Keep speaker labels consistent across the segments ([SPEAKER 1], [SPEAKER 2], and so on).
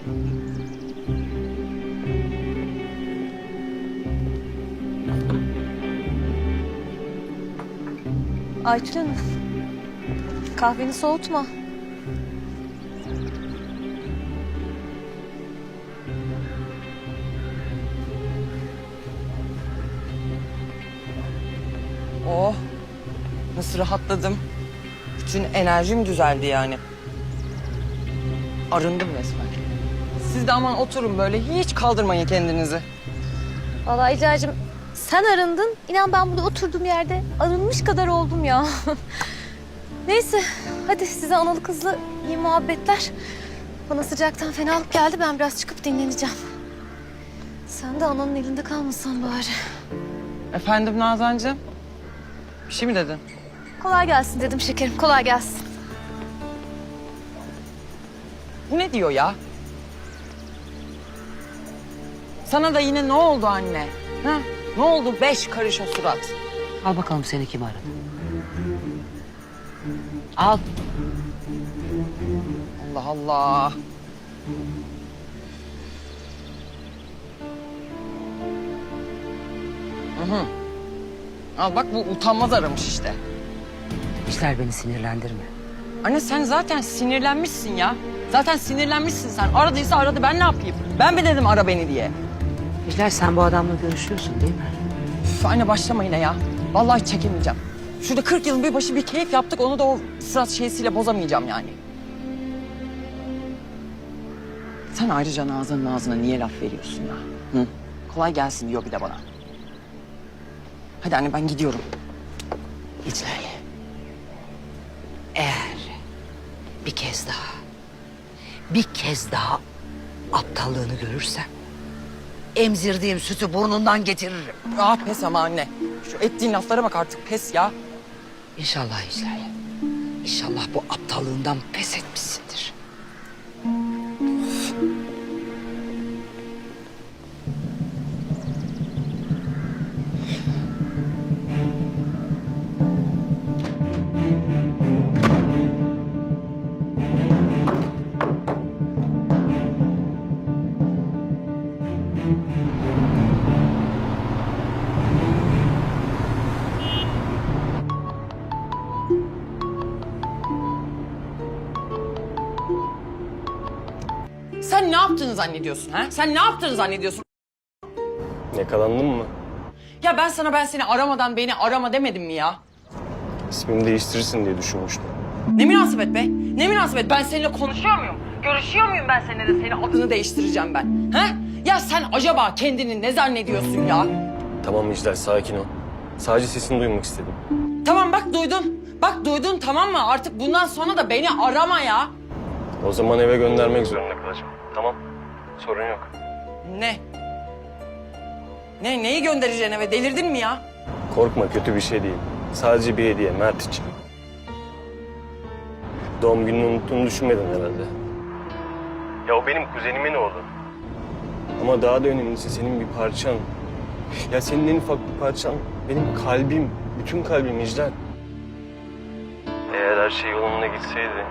[SPEAKER 1] Aytül Hanım, kahveni soğutma.
[SPEAKER 2] Oh, nasıl rahatladım. Bütün enerjim düzeldi yani. Arındım resmen. Siz de aman oturun böyle, hiç kaldırmayın kendinizi.
[SPEAKER 1] Vallahi İlacığım, sen arındın. İnan ben burada oturduğum yerde arınmış kadar oldum ya. Neyse, hadi size analı kızlı iyi muhabbetler. Bana sıcaktan fenalık geldi, ben biraz çıkıp dinleneceğim. Sen de ananın elinde kalmasan bari.
[SPEAKER 2] Efendim Nazancığım? Bir şey mi dedin?
[SPEAKER 1] Kolay gelsin dedim şekerim, kolay gelsin.
[SPEAKER 2] Bu ne diyor ya? Sana da yine ne oldu anne? Ha? Ne oldu 5 karış o surat?
[SPEAKER 3] Al bakalım seni kim aradı? Al.
[SPEAKER 2] Allah Allah. Hı hı. Al bak bu utanmaz aramış işte.
[SPEAKER 3] İşler beni sinirlendirme.
[SPEAKER 2] Anne sen zaten sinirlenmişsin ya. Zaten sinirlenmişsin sen. Aradıysa aradı, ben ne yapayım? Ben mi dedim ara beni diye?
[SPEAKER 3] İşler sen bu adamla görüşüyorsun değil mi?
[SPEAKER 2] Üf, anne başlama yine ya. Vallahi çekemeyeceğim. Şurada 40 yılın bir başı bir keyif yaptık. Onu da o surat şeysiyle bozamayacağım yani. Sen ayrıca Nazan'ın ağzına niye laf veriyorsun ya? Hı? Kolay gelsin diyor bir de bana. Hadi anne ben gidiyorum.
[SPEAKER 3] İclal. Eğer bir kez daha aptallığını görürsem emzirdiğim sütü burnundan getiririm.
[SPEAKER 2] Ah pes ama anne. Şu ettiğin laflara bak artık pes ya.
[SPEAKER 3] İnşallah İclal. İnşallah bu aptallığından pes etmişsindir.
[SPEAKER 2] Sen ne yaptığını zannediyorsun ha? Sen ne yaptığını zannediyorsun?
[SPEAKER 4] Yakalandın mı?
[SPEAKER 2] Ya ben seni aramadan beni arama demedim mi ya?
[SPEAKER 4] İsmini değiştirirsin diye düşünmüştüm.
[SPEAKER 2] Ne münasebet be? Ne münasebet? Ben seninle konuşuyor muyum? Görüşüyor muyum ben seninle de senin adını değiştireceğim ben? Ha? Ya sen acaba kendini ne zannediyorsun ya?
[SPEAKER 4] Tamam İclal, sakin ol. Sadece sesini duymak istedim.
[SPEAKER 2] Tamam bak duydun. Bak duydun tamam mı? Artık bundan sonra da beni arama ya.
[SPEAKER 4] O zaman eve göndermek zorunda kalacağım. Tamam, sorun yok.
[SPEAKER 2] Ne? Neyi göndereceksin eve? Delirdin mi ya?
[SPEAKER 4] Korkma, kötü bir şey değil. Sadece bir hediye, Mert için. Doğum gününü unuttuğunu düşünmedin herhalde. Ya o benim kuzenimin oğlu. Ama daha da önemlisi senin bir parçan. Ya senin en ufak bir parçan benim kalbim, bütün kalbim İclal. Eğer her şey yolunda gitseydi...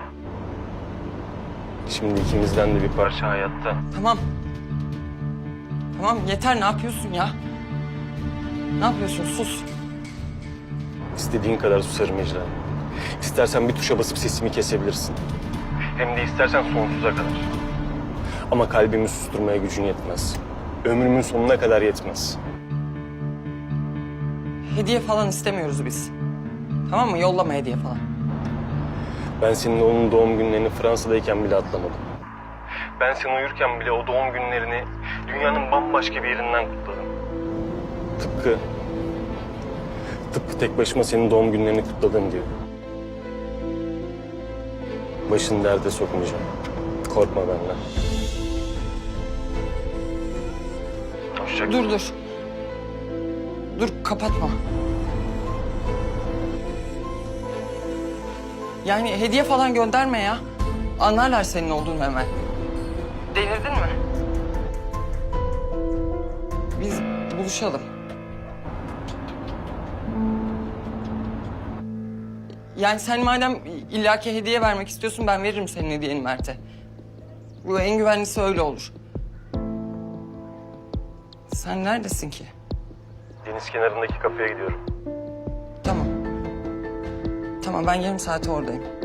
[SPEAKER 4] Şimdi ikimizden de bir parça hayatta.
[SPEAKER 2] Tamam. Tamam yeter ne yapıyorsun ya? Ne yapıyorsun? Sus.
[SPEAKER 4] İstediğin kadar susarım İclal. İstersen bir tuşa basıp sesimi kesebilirsin. Hem de istersen sonsuza kadar. Ama kalbimi susturmaya gücün yetmez. Ömrümün sonuna kadar yetmez.
[SPEAKER 2] Hediye falan istemiyoruz biz. Tamam mı? Yollama hediye falan.
[SPEAKER 4] Ben senin onun doğum günlerini Fransa'dayken bile atlamadım. Ben sen uyurken bile o doğum günlerini dünyanın bambaşka bir yerinden kutladım. Tıpkı tek başıma senin doğum günlerini kutladığım gibi. Başını derde sokmayacağım. Korkma benden. Hoşça kal.
[SPEAKER 2] Dur. Dur kapatma. Yani hediye falan gönderme ya. Anlarlar senin olduğunu hemen. Delirdin mi? Biz buluşalım. Yani sen madem illaki hediye vermek istiyorsun ben veririm senin hediyeni Mert'e. Bu en güvenlisi öyle olur. Sen neredesin ki?
[SPEAKER 4] Deniz kenarındaki kafeye gidiyorum.
[SPEAKER 2] Tamam. Tamam ben yarım saate oradayım.